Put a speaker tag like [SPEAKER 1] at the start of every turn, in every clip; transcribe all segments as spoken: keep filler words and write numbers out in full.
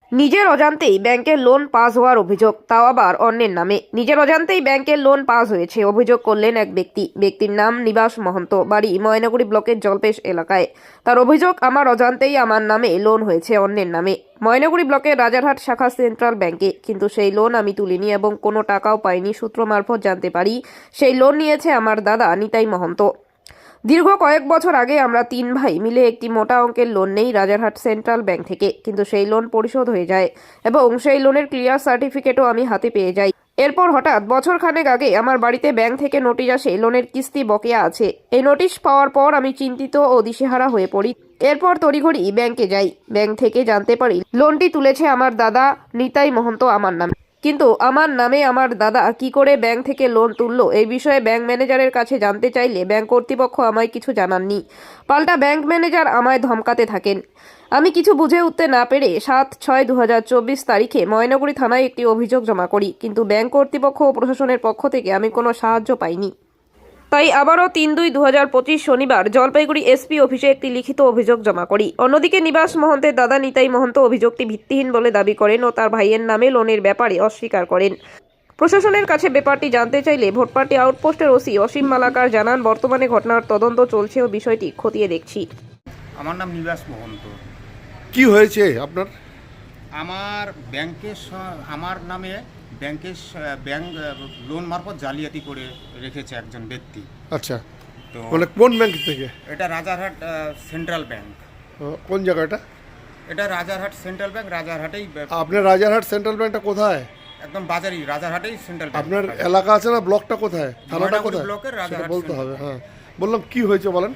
[SPEAKER 1] নিজের অজান্তেই ব্যাংকের লোন পাস হওয়ার অভিযোগ, তাও আবার অন্যের নামে। নিজের অজান্তেই ব্যাংকের লোন পাস হয়েছে অভিযোগ করলেন এক ব্যক্তি। ব্যক্তির নাম নিবাস মহন্ত, বাড়ি ময়নাগুড়ি ব্লকের জলপেশ এলাকায়। তার অভিযোগ, আমার অজান্তেই আমার নামে লোন হয়েছে অন্যের নামে ময়নাগুড়ি ব্লকের রাজারহাট শাখা সেন্ট্রাল ব্যাংকে, কিন্তু সেই লোন আমি তুলিনি এবং কোনো টাকাও পাইনি। সূত্র মারফত জানতে পারি সেই লোন নিয়েছে আমার দাদা নিতাই মহন্ত। দীর্ঘ কয়েক বছর আগে আমরা তিন ভাই মিলে একটি মোটা অঙ্কের লোন নেই রাজারহাট সেন্ট্রাল ব্যাংক থেকে, কিন্তু সেই লোন পরিশোধ হয়ে যায় এবং সেই লোনের ক্লিয়ার সার্টিফিকেটও আমি হাতে পেয়ে যাই। এরপর হঠাৎ বছর খানেক আগে আমার বাড়িতে ব্যাংক থেকে নোটিশ আসে লোনের কিস্তি বকেয়া আছে। এই নোটিশ পাওয়ার পর আমি চিন্তিত ও দিশেহারা হয়ে পড়ি। এরপর তড়িঘড়ি ব্যাংকে যাই। ব্যাংক থেকে জানতে পারি লোনটি তুলেছে আমার দাদা নিতাই মহন্ত আমার নামে। কিন্তু আমার নামে আমার দাদা কি করে ব্যাংক থেকে লোন তুললো এই বিষয়ে ব্যাংক ম্যানেজারের কাছে জানতে চাইলে ব্যাংক কর্তৃপক্ষ আমায় কিছু জানাননি। পাল্টা ব্যাংক ম্যানেজার আমায় ধমকাতে থাকেন। আমি কিছু বুঝে উঠতে না পেরে সাত ছয় দু হাজার চব্বিশ তারিখে ময়নাগুড়ি থানায় একটি অভিযোগ জমা করি, কিন্তু ব্যাংক কর্তৃপক্ষ ও প্রশাসনের পক্ষ থেকে আমি কোনো সাহায্য পাইনি। তাই আবারও তিন দুই দু হাজার পঁচিশ শনিবার জলপাইগুড়ি এসপি অফিসে একটি লিখিত অভিযোগ জমা করি। অন্যদিকে নিবাস মহন্তের দাদা নিতাই মহন্ত অভিযোগটি ভিত্তিহীন বলে দাবি করেন ও তার ভাইয়ের নামে লোনের ব্যাপারে অস্বীকার করেন। প্রশাসনের কাছে ব্যাপারটি জানতে চাইলে ভোটপাটি আউটপোস্টের ওসি অসীম মালাকার জানান, বর্তমানে ঘটনার তদন্ত চলছে ও বিষয়টি খতিয়ে দেখছি।
[SPEAKER 2] আমার নাম নিবাস মহন্ত।
[SPEAKER 3] কি হয়েছে আপনার?
[SPEAKER 2] আমার ব্যাংকের স- আমার নামে ব্যাংকের স- ব্যাংক লোন মারফত জালিয়াতি করে রেখেছে একজন ব্যক্তি।
[SPEAKER 3] আচ্ছা,
[SPEAKER 2] তো
[SPEAKER 3] মানে কোন ব্যাংক থেকে?
[SPEAKER 2] এটা রাজারহাট আহ, সেন্ট্রাল ব্যাংক।
[SPEAKER 3] আহ, কোন জায়গাটা?
[SPEAKER 2] এটা রাজারহাট সেন্ট্রাল ব্যাংক, রাজারহাটেই ব-
[SPEAKER 3] আপনার রাজারহাট সেন্ট্রাল ব্যাংকটা কোথায়?
[SPEAKER 2] একদম বাজারই রাজারহাটেই সেন্ট্রাল ব্যাংক।
[SPEAKER 3] আপনার এলাকা আছে না, ব্লকটা কোথায়, থানাটা
[SPEAKER 2] ময়নাগুড়ি
[SPEAKER 3] কোথায়?
[SPEAKER 2] ব্লকের
[SPEAKER 3] সেটা
[SPEAKER 2] রাজারহাট
[SPEAKER 3] বলতে
[SPEAKER 2] সেন্ট্রাল।
[SPEAKER 3] হবে। হ্যাঁ, বললাম কি হয়েছে বলেন।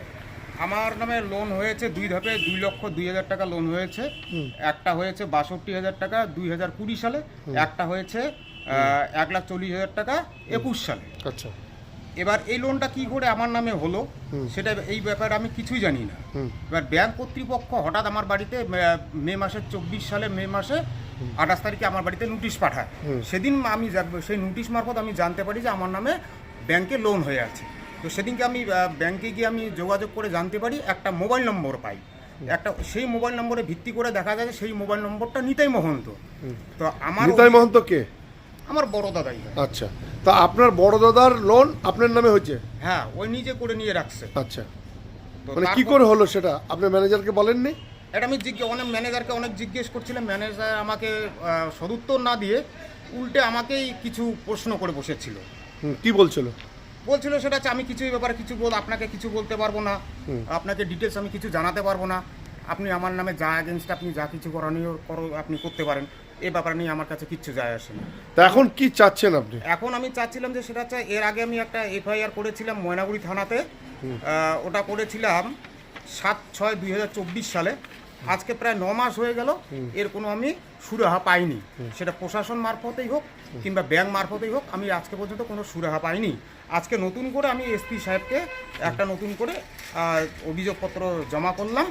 [SPEAKER 2] আমার নামে লোন হয়েছে দুই ধাপে, দুই লক্ষ দুই হাজার টাকা লোন হয়েছে। একটা হয়েছে বাষট্টি হাজার টাকা দুই হাজার কুড়ি সালে, একটা হয়েছে আহ, এক লাখ চল্লিশ হাজার টাকা একুশ সালে।
[SPEAKER 3] আচ্ছা,
[SPEAKER 2] এবার এই লোনটা কি করে আমার নামে হলো সেটা এই ব্যাপারে আমি কিছুই জানি না।
[SPEAKER 3] হুম।
[SPEAKER 2] এবার ব্যাংক কর্তৃপক্ষ হঠাৎ আমার বাড়িতে মে- মে মাসের চব্বিশ সালে মে মাসে আঠাশ তারিখে আমার বাড়িতে নোটিশ পাঠায়। সেদিন আমি যা- সেই নোটিশ মারফত আমি জানতে পারি যে আমার নামে ব্যাংকে লোন হয়ে আছে। তো সেদিনকে আমি আহ, ব্যাংকে গিয়ে আমি যোগাযোগ করে জানতে পারি, একটা মোবাইল নম্বর পাই। একটা সেই মোবাইল নম্বরে ভিত্তি করে দেখা যায় যে সেই মোবাইল নম্বরটা নিতাই মহন্ত। তো আমার
[SPEAKER 3] নিতাই মহন্ত কে?
[SPEAKER 2] আমার বড় দাদাই হয়।
[SPEAKER 3] আচ্ছা, তা আপনার বড় দাদার লোন আপনার নামে হয়েছে?
[SPEAKER 2] হ্যাঁ, ওই নিজে করে নিয়ে রাখছে।
[SPEAKER 3] আচ্ছা,
[SPEAKER 2] তো
[SPEAKER 3] মানে কি
[SPEAKER 2] তারপর-
[SPEAKER 3] করে হলো সেটা আপনার ম্যানেজারকে বলেননি?
[SPEAKER 2] এটা আমি জিজ্ঞেস অনেক ম্যানেজারকে অনেক জিজ্ঞেস করছিলাম, ম্যানেজার আমাকে আহ, সদুত্তর না দিয়ে উল্টে আমাকেই কিছু প্রশ্ন করে বসেছিল।
[SPEAKER 3] হুম, কি বলছিল?
[SPEAKER 2] বলছিল সেটা হচ্ছে আমি কিছু এই ব্যাপারে কিছু বল আপনাকে কিছু বলতে পারবো না, আপনাকে ডিটেলস আমি কিছু জানাতে পারবো না। আপনি আমার নামে যা এগেনস্ট আপনি যা কিছু করণীয় করো আপনি করতে পারেন, এ ব্যাপারে নিয়ে আমার কাছে কিচ্ছু যায় আসে না।
[SPEAKER 3] তা এখন কি চাচ্ছেন আপনি?
[SPEAKER 2] এখন আমি চাচ্ছিলাম যে সেটা হচ্ছে, এর আগে আমি একটা এফআইআর করেছিলাম ময়নাগুড়ি থানাতে। আহ, ওটা করেছিলাম সাত ছয় দুই হাজার চব্বিশ সালে। আজকে প্রায় ন মাস হয়ে গেল, এর কোনো আমি সুরাহা পাইনি। সেটা প্রশাসন মারফতেই হোক কিংবা ব্যাংক মারফতেই হোক, আমি আজকে পর্যন্ত কোনো সুরাহা পাইনি। আজকে নতুন করে আমি এসপি সাহেবকে একটা নতুন করে আহ, অভিযোগপত্র জমা করলাম।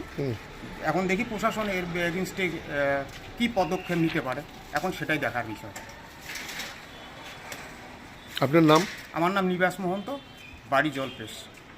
[SPEAKER 2] এখন দেখি প্রশাসন এর এগেনস্টে কী পদক্ষেপ নিতে পারে, এখন সেটাই দেখার বিষয়।
[SPEAKER 3] আপনার নাম?
[SPEAKER 2] আমার নাম নিবাস মহন্ত, বাড়ি জলপেশ।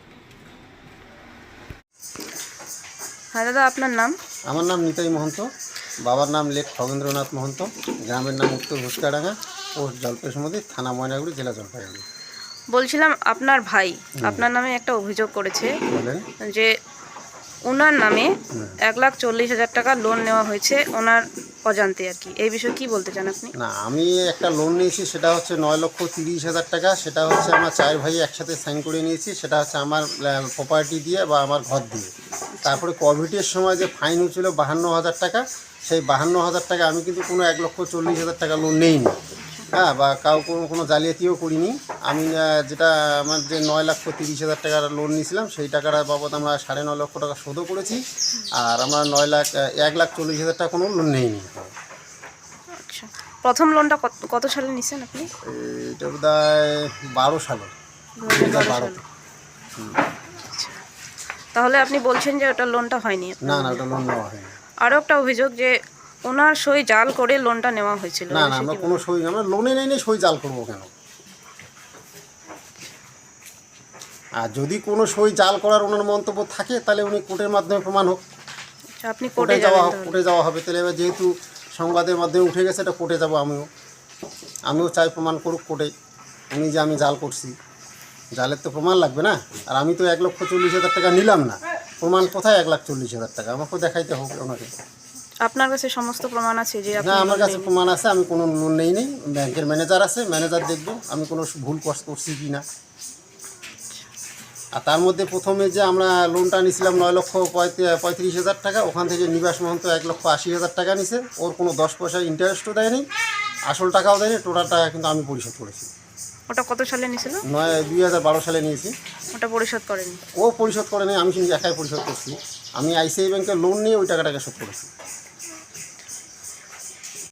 [SPEAKER 1] হ্যাঁ দাদা, আপনার নাম?
[SPEAKER 4] আমার নাম নিতাই মহন্ত, বাবার নাম লেখ খগেন্দ্রনাথ মহন্ত, গ্রামের নাম উত্তর ঘুষকাডাঙ্গা, পোস্ট জলপেশমতি, থানা ময়নাগুড়ি, জেলা জলপাইগুড়ি।
[SPEAKER 1] বলছিলাম, আপনার ভাই আপনার নামে একটা অভিযোগ করেছে
[SPEAKER 4] বলেন।
[SPEAKER 1] যে ওনার নামে এক লাখ চল্লিশ হাজার টাকা লোন নেওয়া হয়েছে ওনার অজান্তে আর কি। এই বিষয়ে কি বলতে চান আপনি?
[SPEAKER 4] না, আমি একটা লোন নিয়েছি, সেটা হচ্ছে নয় লক্ষ তিরিশ হাজার টাকা। সেটা হচ্ছে আমার চার ভাই একসাথে সাইন করে নিয়েছি। সেটা হচ্ছে আমার প্রপার্টি দিয়ে বা আমার ঘর দিয়ে। তারপরে কোভিডের সময় যে ফাইন হচ্ছিল বাহান্ন হাজার টাকা, সেই বাহান্ন হাজার টাকা আমি কিন্তু কোনো এক লক্ষ চল্লিশ হাজার টাকা লোন নেইনি, হ্যাঁ, বা কাউ কোনো কোনো জালিয়াতিও করিনি। আমি আহ, যেটা আমার যে নয় লক্ষ তিরিশ হাজার টাকার লোন নিয়েছিলাম, সেই টাকার বাবদ আমরা সাড়ে নয় লক্ষ টাকা শোধও করেছি। আর আমরা নয় লাখ এক লাখ চল্লিশ হাজার টাকা কোনো লোন নেইনি।
[SPEAKER 1] আচ্ছা, প্রথম লোনটা কত কত সালে নিছেন আপনি?
[SPEAKER 4] এটা বোধ হয় বারো সালে,
[SPEAKER 1] দু হাজার বারো
[SPEAKER 4] বারো।
[SPEAKER 1] সালে। আচ্ছা, তাহলে আপনি বলছেন যে ওটা লোনটা হয়নি আপনার?
[SPEAKER 4] না না, ওটা লোন নেওয়া হয়নি।
[SPEAKER 1] আরও একটা অভিযোগ যে ওনার সই জাল করে লোনটা নেওয়া হয়েছিল।
[SPEAKER 4] না না, আমরা কোনো সই, আমরা লোনে নেই নি, সই জাল করবো কেন? আর যদি কোনো সই জাল করার ওনার মন্তব্য থাকে, তাহলে উনি কোর্টের মাধ্যমে প্রমাণ হোক,
[SPEAKER 1] আচ্ছা, আপনি
[SPEAKER 4] কোর্টে
[SPEAKER 1] কোর্টে
[SPEAKER 4] যাওয়া
[SPEAKER 1] যাবেন
[SPEAKER 4] হোক,
[SPEAKER 1] তাহলে?
[SPEAKER 4] কোর্টে যাওয়া হবে। তাহলে এবার যেহেতু সংবাদের মাধ্যমে উঠে গেছে, এটা কোর্টে যাবো আমিও আমিও চাই প্রমাণ করুক কোর্টে উনি যে আমি জাল করছি। জালের তো প্রমাণ লাগবে না। আর আমি তো এক লক্ষ চল্লিশ হাজার টাকা নিলাম না, প্রমাণ কোথায় এক লাখ চল্লিশ হাজার টাকা আমাকেও দেখাইতে হবে ওনাকে।
[SPEAKER 5] আপনার কাছে সমস্ত প্রমাণ আছে যে আপনি
[SPEAKER 4] না, আমার
[SPEAKER 5] লোন
[SPEAKER 4] কাছে
[SPEAKER 5] নেননি?
[SPEAKER 4] প্রমাণ আছে, আমি কোনো লোন নেই নেই ব্যাংকের ম্যানেজার আছে, ম্যানেজার দেখবে আমি কোনো ভুল কর- করছি কি না। আর তার মধ্যে প্রথমে যে আমরা লোনটা নিয়েছিলাম নয় লক্ষ পঁয়ত্রিশ পঁয়ত্রিশ হাজার টাকা, ওখান থেকে নিবাস মহন্ত এক লক্ষ আশি হাজার টাকা নিছে, ওর কোনো দশ পয়সা ইন্টারেস্টও দেয়নি, আসল টাকাও দেয়নি, টোটাল টাকা কিন্তু আমি পরিশোধ করেছি।
[SPEAKER 5] ওটা কত সালে নিয়েছিল?
[SPEAKER 4] নয় দুই হাজার বারো সালে নিয়েছি।
[SPEAKER 5] ওটা পরিশোধ করেনি?
[SPEAKER 4] ও পরিশোধ করে নেই, আমি কিন্তু একাই পরিশোধ করছি। আমি আইসিআই ব্যাংকের লোন নিয়ে ওই টাকাটাকে শোধ করেছি।